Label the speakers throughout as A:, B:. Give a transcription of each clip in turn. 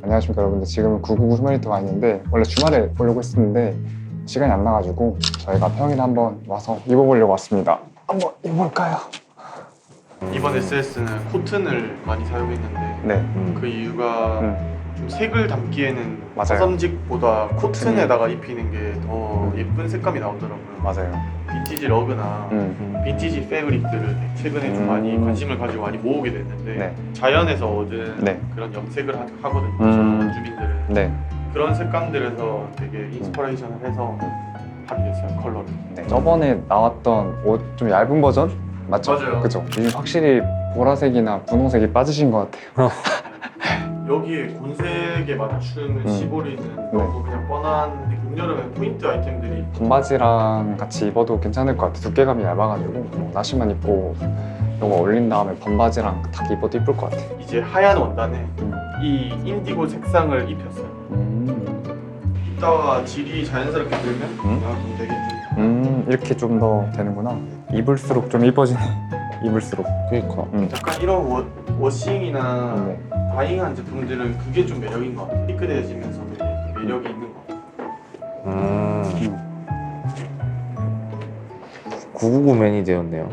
A: 안녕하십니까 여러분들. 지금은 999 휴머니트 와 있는데 원래 주말에 보려고 했었는데 시간이 안 나가지고 저희가 평일에 한번 와서 입어보려고 왔습니다. 한번 입어볼까요?
B: 이번 SS는 코튼을 많이 사용했는데
A: 네.
B: 그 이유가 좀 색을 담기에는
A: 맞아요.
B: 화성직보다 코튼에다가 입히는 게 더 예쁜 색감이 나오더라고요.
A: 맞아요.
B: 빈티지 러그나 빈티지 패브릭들을 최근에 좀 많이 관심을 가지고 많이 모으게 됐는데
A: 네.
B: 자연에서 얻은
A: 네.
B: 그런 염색을 하거든요. 저는 원주민들은
A: 네.
B: 그런 색감들에서 되게 인스퍼레이션을 해서 하게 됐어요. 컬러를.
A: 네. 저번에 나왔던 옷 좀 얇은 버전? 맞죠?
B: 맞아요.
A: 그죠? 이 확실히 보라색이나 분홍색이 빠지신 것 같아요.
B: 여기에 곤색에 맞추는 시보리는 너무 그냥 뻔한데 봄여름에 포인트 아이템들이
A: 반바지랑 같이 입어도 괜찮을 것 같아요. 두께감이 얇아가지고 나시만 입고 이거 올린 다음에 반바지랑 딱 입어도 이쁠 것 같아요.
B: 이제 하얀 원단에 이 인디고 색상을 입혔어요. 이따가 질이 자연스럽게 들면 좀 되겠지.
A: 이렇게 좀 더 되는구나. 입을수록 좀 이뻐지네. 입을수록.
C: 그러니까.
B: 약간 이런 워싱이나
A: 네.
B: 다잉한 제품들은 그게 좀 매력인 것 같아요. 피크해지면서 되게 매력이 있는 것 같아요.
C: 999 맨이 되었네요.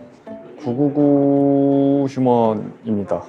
A: 999 휴먼입니다.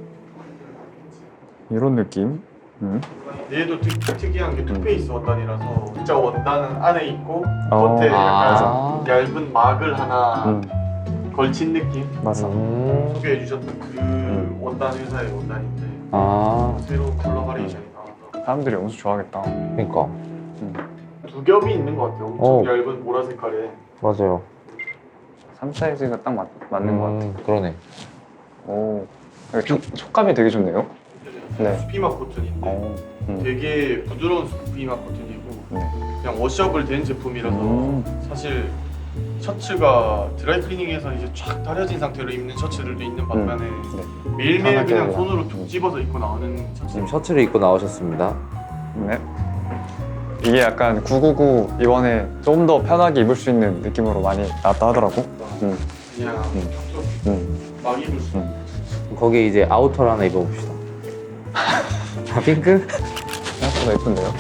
A: 이런 느낌.
B: 얘도 특이한 게 투페이스 원단이라서 진짜 원단은 안에 있고 겉에 약간 얇은 막을 하나 걸친 느낌?
A: 맞아.
B: 소개해 주셨던 그 원단 회사의 원단인데 새로운 컬러 바리에이션이 나와서
A: 사람들이 엄청 좋아하겠다.
C: 그러니까.
B: 두 겹이 있는 것 같아요. 엄청 얇은 보라 색깔에.
C: 맞아요.
A: 3 사이즈가 딱 맞는 것 같아.
C: 그러네.
A: 오, 촉감이 되게 좋네요. 네.
B: 스피마 코튼인데 되게 부드러운 스피마 코튼이고 그냥 워셔블 된 제품이라서 사실 셔츠가 드라이클리닝에서 이제 쫙 다려진 상태로 입는 셔츠들도 있는 반면에 매일매일 그냥 손으로 툭 집어서 입고 나오는 셔츠.
C: 지금 셔츠를 입고 나오셨습니다.
A: 네. 이게 약간 999 이번에 좀 더 편하게 입을 수 있는 느낌으로 많이 나왔다 하더라고.
B: 그냥 막 입을 수 있는.
C: 거기에 이제 아우터를 하나 입어봅시다. 핑크?
A: 생각보다 예쁜데요?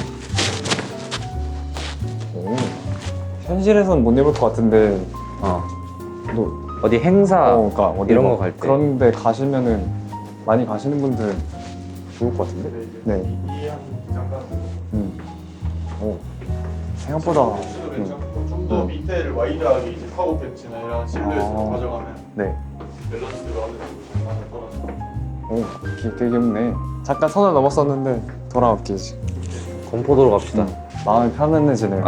A: 오. 현실에선 못 입을 것 같은데 또
C: 어디 행사
A: 그러니까 어디
C: 이런
A: 막
C: 거 갈 때.
A: 그런데 가시면은 많이 가시는 분들 좋을 것 같은데? 네.
B: 이한 장갑.
A: 오. 생각보다
B: 셔츠도 괜찮고 좀 더 밑에를 와이드하게 이제 카고 팬츠나 이런 실루엣으로 가져가면
A: 네.
B: 밸런스가 어느 정도 잘 맞아 떨어져.
A: 오, 되게 귀엽네. 잠깐 선을 넘었었는데 돌아올게 이제.
C: 건포도로 갑시다.
A: 마음이 편안해지네요.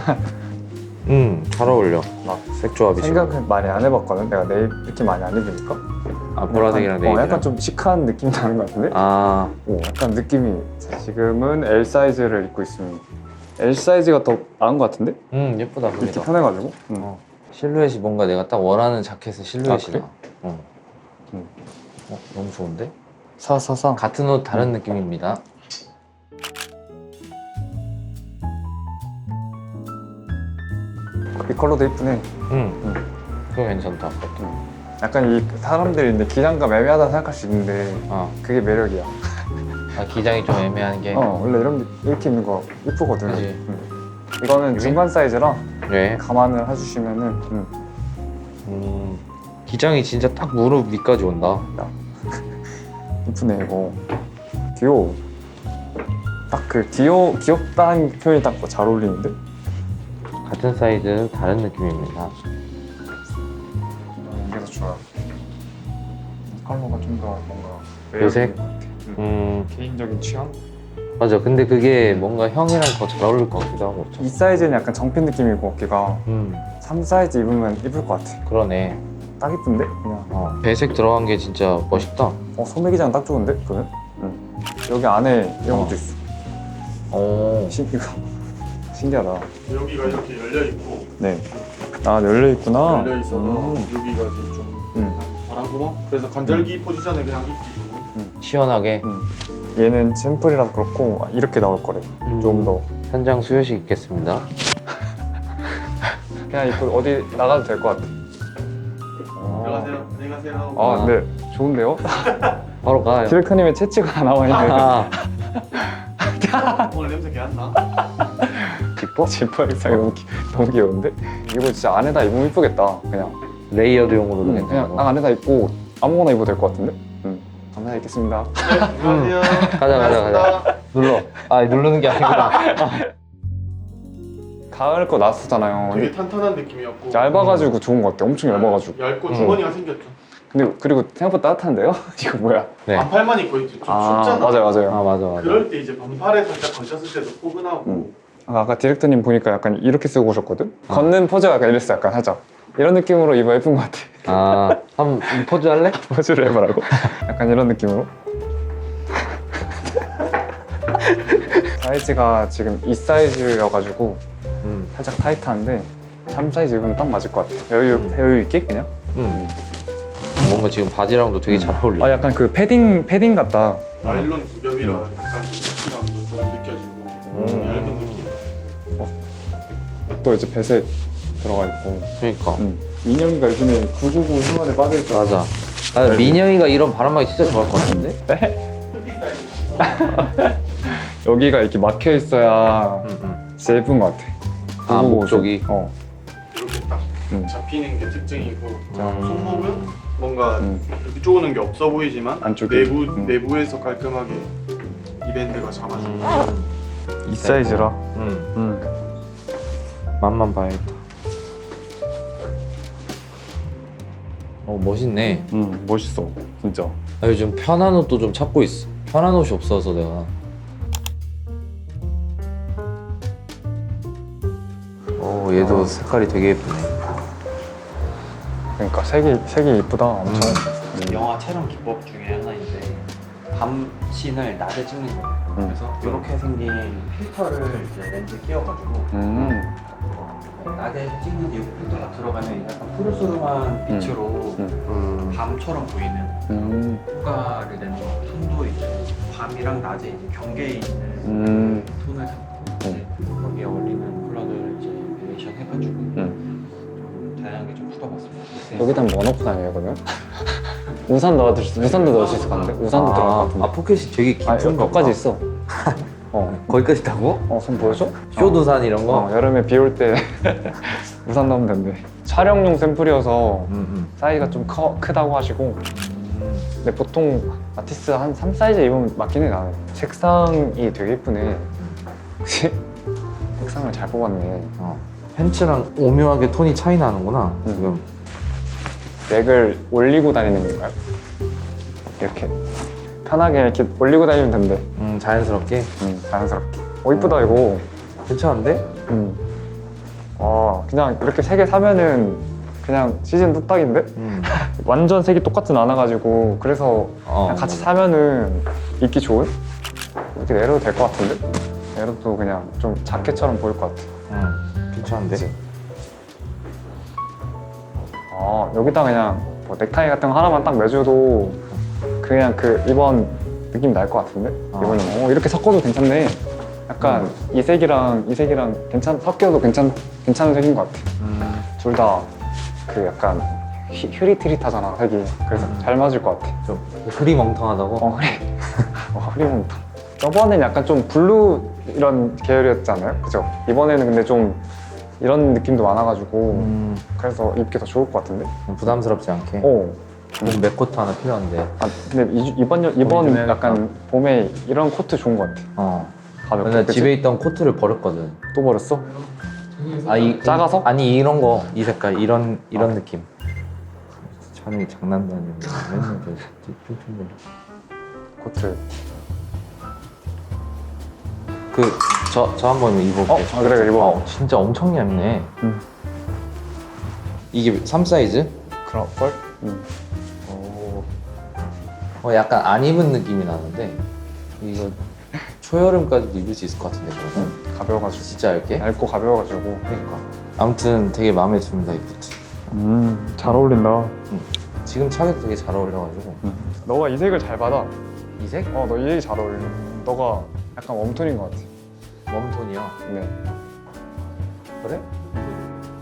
C: 잘 어울려.
A: 막
C: 색 조합이.
A: 생각을 많이 안 해봤거든. 내가 네일 이렇게 많이 안 입으니까.
C: 보라색이랑 네일이랑.
A: 약간 좀 시크한 느낌이 나는 것 같은데? 오, 약간 느낌이. 지금은 L 사이즈를 입고 있습니다. L 사이즈가 더 나은 것 같은데?
C: 예쁘다.
A: 이렇게
C: 그래도.
A: 편해가지고.
C: 실루엣이 뭔가 내가 딱 원하는 자켓의 실루엣이
A: 그래?
C: 나. 너무 좋은데?
A: 사사사.
C: 같은 옷 다른 느낌입니다.
A: 이 컬러도 이쁘네.
C: 그거 괜찮다.
A: 약간 이 사람들이 이제 기장감 애매하다 생각할 수 있는데 그게 매력이야.
C: 기장이 좀 애매한 게.
A: 원래 이렇게 입는 거 이쁘거든.
C: 그치.
A: 이거는 중간 사이즈라
C: 네.
A: 감안을 해주시면은
C: 기장이 진짜 딱 무릎 위까지 온다.
A: 이쁘네 이거. 귀여워. 딱 그 귀엽다는 표현이 딱 잘 어울리는데?
C: 같은 사이즈 다른 느낌입니다.
A: 이게 더 좋아. 이 컬러가 좀 더 뭔가
C: 요색?
A: 개인적인 취향?
C: 맞아. 근데 그게 뭔가 형이랑 더 잘 어울릴 것 같기도 하고.
A: 이 사이즈는 약간 정핀 느낌이고 어깨가 3 사이즈 입으면 이쁠 것 같아.
C: 그러네.
A: 딱 이쁜데? 그냥
C: 배색 들어간 게 진짜 멋있다.
A: 소매기장 딱 좋은데? 그러면? 여기 안에 이런 것도 있어. 신기하다.
B: 여기가 이렇게 열려 있고
A: 네. 열려 있구나.
B: 열려 있어서 여기가 이제 좀 바람구멍. 그래서 관절기 포지션에 그냥 입히고.
C: 시원하게.
A: 얘는 샘플이라서 그렇고 이렇게 나올 거래. 좀 더.
C: 현장 수요식 있겠습니다.
A: 그냥 입고 어디 나가도 될 것 같아.
B: 들어가세요. 안녕히 가세요.
A: 네. 좋은데요?
C: 바로 가.
A: 디렉터님의 채취가 나와 있네.
C: 아,
B: 오늘 냄새 개 안 나?
A: 지퍼? 지퍼 색상이 너무 귀여운데? 이거 진짜 안에다 입으면 이쁘겠다. 그냥
C: 레이어드용으로도
A: 그냥
C: 괜찮고.
A: 딱 안에다 입고 아무거나 입어도 될 것 같은데? 감사히 입겠습니다.
B: 안녕하세요.
C: 가자. 눌러. 아, 누르는 게 아니구나.
A: 가을 거 나왔었잖아요.
B: 되게 탄탄한 느낌이었고
A: 얇아가지고 좋은 것 같아. 엄청 얇아가지고.
B: 얇고 주머니가 생겼죠.
A: 근데 그리고 생각보다 따뜻한데요? 이거 뭐야?
C: 네.
B: 반팔만 입고 있지 좀
A: 아
B: 춥잖아.
A: 맞아요.
C: 아, 맞아.
B: 그럴 때 이제 반팔에 살짝 걸쳤을 때도 포근하고
A: 아까 디렉터님 보니까 약간 이렇게 쓰고 오셨거든?
C: 아.
A: 걷는 포즈가 약간 이랬어. 약간 살짝 이런 느낌으로 입어 예쁜 것 같아.
C: 아, 한번 포즈 할래?
A: 포즈를 해보라고? 약간 이런 느낌으로. 사이즈가 지금 2 사이즈여가지고 살짝 타이트한데 3 사이즈 입으면 딱 맞을 것 같아. 여유 있게 그냥.
C: 뭔가 지금 바지랑도 되게 잘 어울려.
A: 아 약간 그 패딩 같다.
B: 나일론 구겹이라 약간 촉촉함도 좀 느껴지고 얇은 느낌.
A: 또 이제 배색 들어가 있고.
C: 그러니까.
A: 민영이가 요즘에 999 생활에 빠져있잖아.
C: 맞아. 아, 민영이가 이런 바람막이 진짜 좋아할 것 같은데?
A: 여기가 이렇게 막혀 있어야 진짜 예쁜 것 같아.
C: 아,
A: 999
C: 목쪽이?
B: 이렇게 딱 잡히는 게 특징이고
C: 음.
B: 손목은 뭔가 이렇게 쪼는 게 없어 보이지만
A: 안쪽에.
B: 내부에서 깔끔하게 이 밴드가 잡아주고
A: 이 사이즈라.
C: 맛만 봐야겠다. 멋있네.
A: 멋있어 진짜.
C: 나 요즘 편한 옷도 좀 찾고 있어. 편한 옷이 없어서 내가. 얘도 색깔이 되게 예쁘네.
A: 그러니까 색이 이쁘다 엄청.
D: 영화 촬영 기법 중에 하나인데 밤 씬을 낮에 찍는 거예요. 그래서 이렇게 생긴 필터를 이제 렌즈에 끼워가지고 낮에 찍는 이유 필터가 들어가면 약간 푸르스름한 빛으로 밤처럼 보이는 효과를 내는 거. 톤도 이제 밤이랑 낮에 이제 경계에 있는 톤을 잡고 이제 거기에 어울리는 컬러들을 이제 베리에이션 해가지고 좀 다양하게 좀 풀어봤습니다.
A: 여기다 뭐 넣고 다녀요 그러면? 우산도 넣을 수 있을 것 같은데? 우산도 들어갈 것 같은데?
C: 아, 포켓이 되게 깊은 거
A: 여기까지 있어.
C: 거기까지 있다고?
A: 손 보여줘?
C: 쇼두산 이런 거?
A: 여름에 비 올 때 우산 넣으면 된대. 촬영용 샘플이어서 사이즈가 좀 크다고 하시고. 근데 보통 아티스트 한 3 사이즈 입으면 맞긴 해 나는. 색상이 되게 예쁘네. 그치? 색상을 잘 뽑았네.
C: 팬츠랑 오묘하게 톤이 차이 나는구나 지금.
A: 넥을 올리고 다니는 건가요? 이렇게 편하게 이렇게 올리고 다니면 된대.
C: 자연스럽게.
A: 자연스럽게. 이쁘다 이거.
C: 괜찮은데?
A: 그냥 이렇게 3개 사면은 그냥 시즌 뚝딱인데? 완전 색이 똑같진 않아가지고 그래서 그냥 같이 사면은 입기 좋은? 이렇게 내려도 될 것 같은데? 내려도 그냥 좀 자켓처럼 보일 것 같아.
C: 괜찮은데?
A: 그치? 여기다 그냥 뭐 넥타이 같은 거 하나만 딱 매줘도 그냥 그 이번 느낌 날 것 같은데? 이번엔 이렇게 섞어도 괜찮네. 약간 이 색이랑 섞여도 괜찮은 색인 것 같아. 둘 다 그 약간 흐릿흐릿하잖아 색이. 그래서 잘 맞을 것 같아.
C: 좀 흐리멍텅하다고?
A: 흐리멍텅. 저번엔 약간 좀 블루 이런 계열이었잖아요, 그죠? 이번에는 근데 좀 이런 느낌도 많아가지고 그래서 입기 더 좋을 것 같은데?
C: 부담스럽지 않게.
A: 몸
C: 맥코트 하나 필요한데.
A: 근데 이번
C: 좀
A: 약간 봄에 이런 코트 좋은 것 같아. 가볍게.
C: 나
A: 그치?
C: 집에 있던 코트를 버렸거든.
A: 또 버렸어? 작아서?
C: 아니 이런 거, 이 색깔, 이런 느낌. 찬이 장난도 아니고 맨날 핑핑거려.
A: 코트.
C: 저 한번 입어볼게.
A: 그래 입어.
C: 진짜 엄청 얇네. 이게 3 사이즈?
A: 그럴걸?
C: 약간 안 입은 느낌이 나는데 이거 초여름까지도 입을 수 있을 것 같은데 그러면?
A: 가벼워가지고.
C: 진짜 얇게?
A: 얇고 가벼워가지고.
C: 그러니까. 아무튼 되게 마음에 듭니다 이 부츠.
A: 잘 어울린다.
C: 지금 차기도 되게 잘 어울려가지고.
A: 너가 이 색을 잘 받아.
C: 이 색?
A: 너 이 색이 잘 어울려. 너가 약간 웜톤인 것 같아.
C: 웜톤이야.
A: 네.
C: 그래?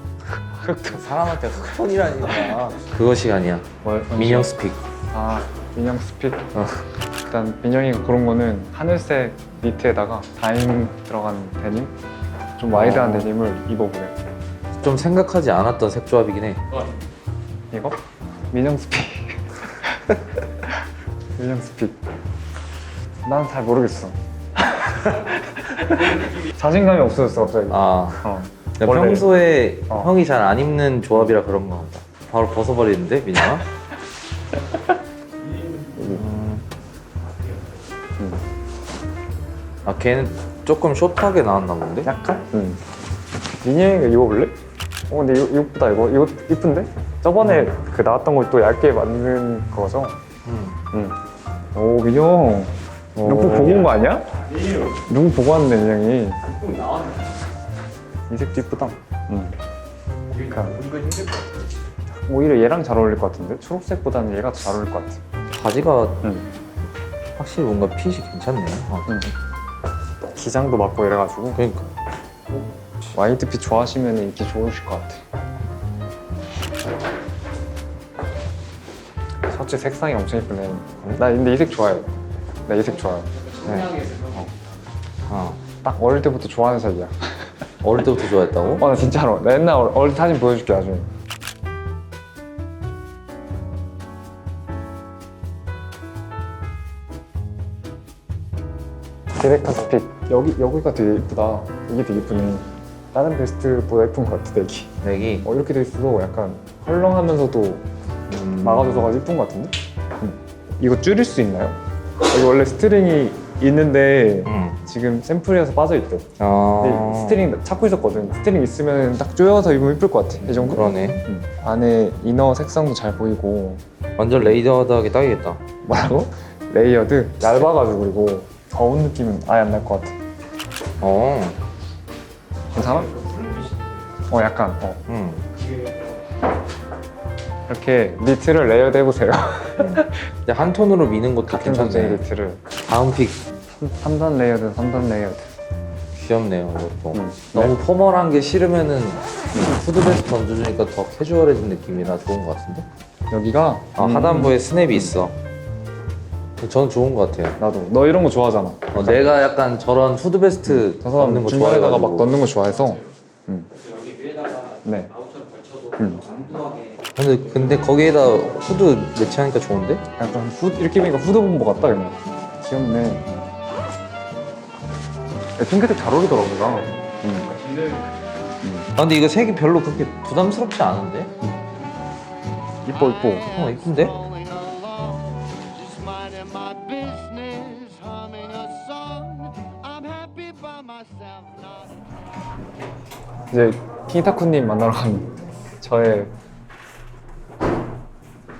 C: 사람한테 흑톤이라니까. 그거 시간이야. 민영 스픽.
A: 민영 스핏. 일단 민영이가 고른 거는 하늘색 니트에다가 다임 들어간 데님, 좀 와이드한 데님을 입어보래.
C: 좀 생각하지 않았던 색 조합이긴 해.
A: 이거? 민영 스핏. 민영 스핏. 난 잘 모르겠어. 자신감이 없어졌어 갑자기.
C: 아,
A: 원래-
C: 평소에
A: 어.
C: 형이 잘 안 입는 조합이라 그런 거 같다. 바로 벗어버리는데 민영아? 아 걔는 조금 숏하게 나왔나 본데?
A: 약간? 응. 민영이가 입어볼래? 근데 이거보다 이거 이쁜데? 저번에 그 나왔던 걸 또 얇게 만든 거죠? 응. 오 민영. 누구 보고 온 거 아니야? 누구 보고 왔는데 민영이. 이 색도 이쁘다. 응. 그러니까 오히려 얘랑 잘 어울릴 것 같은데? 초록색보다는 얘가 더 잘 어울릴 것 같아.
C: 바지가
A: 응.
C: 확실히 뭔가 핏이 괜찮네.
A: 응. 기장도 맞고 이래가지고
C: 그러니까
A: 와이드핏 좋아하시면 입기 좋으실 것 같아. 셔츠 색상이 엄청 이쁘네. 나 근데 이 색 좋아해. 나 이 색 좋아해. 딱 어릴 때부터 좋아하는 색이야.
C: 어릴 때부터 좋아했다고?
A: 나 진짜로. 나 옛날 어릴 때 사진 보여줄게 나중에. 디렉터 스핏. 여기가 되게 이쁘다. 이게 되게 이쁘네. 다른 베스트보다 예쁜 것 같아, 넥이.
C: 넥이
A: 이렇게 돼 있어도 약간 헐렁하면서도 막아줘서 이쁜 것 같은데? 이거 줄일 수 있나요? 여기 원래 스트링이 있는데 지금 샘플이라서 빠져있대. 근데 스트링 찾고 있었거든. 스트링 있으면 딱 조여서 입으면 이쁠 것 같아. 이 정도?
C: 그러네.
A: 안에 이너 색상도 잘 보이고.
C: 완전 레이더하게 딱이겠다.
A: 뭐라고? 레이어드 얇아가지고 그리고 더운 느낌은 아예 안 날 것 같아. 괜찮아? 약간. 이렇게 니트를 레이어드 해보세요.
C: 근데 한 톤으로 미는 것도
A: 같은 소재
C: 괜찮네.
A: 니트를.
C: 다음 픽
A: 3단 레이어드, 3단 레이어드.
C: 귀엽네요. 이것도. 너무 포멀한 게 싫으면은 후드 베스트 얹어주니까 더 캐주얼해진 느낌이라 좋은 것 같은데?
A: 여기가
C: 하단부에 스냅이 있어. 저는 좋은 것 같아요.
A: 나도. 너 이런 거 좋아하잖아.
C: 내가 약간 저런 후드 베스트
A: 저 사람
C: 넣는 거
A: 중간에다가
C: 좋아해가지고.
A: 막 넣는 거 좋아해서.
D: 여기 위에다가
A: 네.
D: 아웃처럼 걸쳐도 엉뚱하게
C: 근데 거기에다 후드 매치하니까 좋은데?
A: 약간 이렇게 보니까 후드 본보 같다 그냥. 귀엽네. 핑크색 잘 어울리더라고 나.
C: 근데 이거 색이 별로 그렇게 부담스럽지 않은데?
A: 이뻐 이뻐.
C: 이쁜데?
E: Just minding my business, humming a song. I'm happy by myself, not
A: 이제 킹타쿠님 만나러 간 저의